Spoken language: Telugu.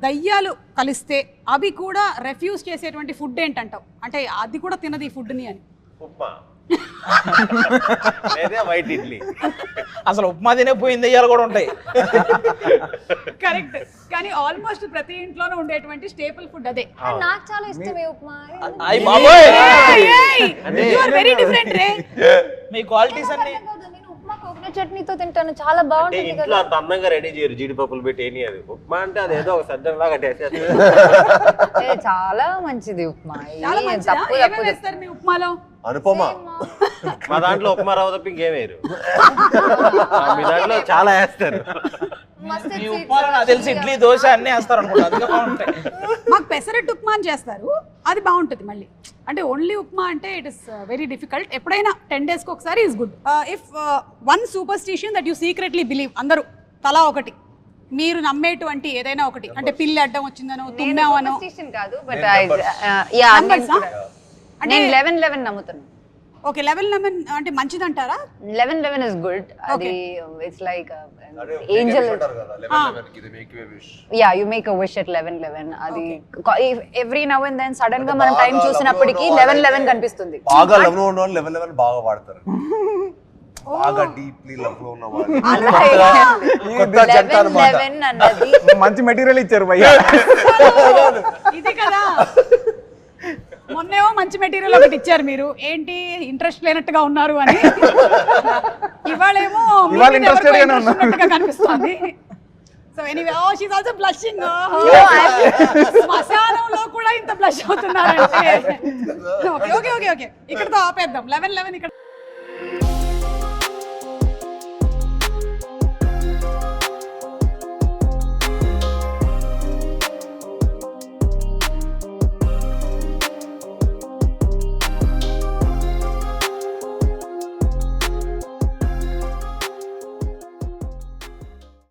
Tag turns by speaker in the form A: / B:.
A: దయ్యాలు కలిస్తే అవి కూడా రెఫ్యూజ్ చేసేటువంటి ఫుడ్ ఏంటంటావు? అంటే అది కూడా తినదు ఈ ఫుడ్ని అని.
B: ఉప్మా లేదా వైట్ ఇడ్లీ.
C: అసలు ఉప్మా తినే పోయింది దయ్యాలు కూడా ఉంటాయి.
A: కరెక్ట్. కానీ ఆల్మోస్ట్ ప్రతి ఇంట్లోనూ ఉండేటువంటి స్టేపుల్ ఫుడ్ అదే.
D: నాకు చాలా ఇష్టం ఈ ఉప్మా.
C: అయ్యి బాబోయ్,
A: యు ఆర్ వెరీ డిఫరెంట్ రే.
C: మీ క్వాలిటీస్ అన్ని.
D: నేను ఉప్మా కోకోనట్ చట్నీతో తింటాను, చాలా బాగుంటుంది
B: ఇంట్లో
D: కదా.
B: అంత అందంగా రెడీ చేయరు జీడిపప్పులు పెట్టి ఏని. అది ఉప్మా అంటే అది ఏదో ఒక సజ్జం లాగా టేస్ట్.
D: చాలా మంచిది ఉప్మా.
A: చాలా మంచిదా? ఏమేమి వేస్తారు మీ ఉప్మాలో?
E: అనుపమ
B: మా దాంట్లో ఉప్మా రవ్వ తప్ప ఇంకేం వేయరు. మీ దాంట్లో చాలా వేస్తారు.
C: ఈ ఉప్మాలో నాకు తెలిసి ఇడ్లీ దోశ అన్ని వేస్తారు అనుకుంటా, అందుకే బాగుంటాయి.
A: మాకు పెసరట్టు ఉప్మా అని చేస్తారు, అది బాగుంటుంది. మళ్ళీ అంటే ఓన్లీ ఉప్మా అంటే ఇట్ ఇస్ వెరీ డిఫికల్ట్. ఎప్పుడైనా 10 days ఒకసారి is good. If one superstition that you secretly believe, అందరూ తలా ఒకటి మీరు నమ్మేటువంటి ఏదైనా ఒకటి, అంటే పిల్లి అడ్డం వచ్చిందనో తుమ్మావనో.
D: కాదు బట్ నేను 11 నమ్ముతాను.
A: ఓకే, 11 అంటే మంచిదంటారా?
D: 11 is good. అది it's like angel. Yeah, you make a wish at 11. అది every now and then sudden గా మనం టైం చూసినప్పటికీ 11 కనిపిస్తుంది.
E: బాగా లవ్ లో ఉన్న వాళ్ళు 11 బాగా వాడతారు. బాగా డీప్లీ లవ్ లో ఉన్న వాళ్ళు
D: 11 అన్నది
F: మంచి మెటీరియల్ ఇచ్చారు భయ్యా.
A: ఇది కదా, మొన్నేమో మంచి మెటీరియల్ ఒకటి ఇచ్చారు మీరు, ఏంటి ఇంట్రెస్ట్ లేనట్టుగా ఉన్నారు అని. ఇవాళేమో
F: ఇంట్రెస్టెడ్ గానే ఉన్నారు
A: కనిపిస్తుంది. So anyway, oh she is also blushing. శ్మశానంలో కూడా ఇంత బ్లష్ అవుతున్నారంటే. ఓకే ఓకే ఓకే ఓకే, ఇక్కడతో ఆపేద్దాం. 11 ఇక్కడ.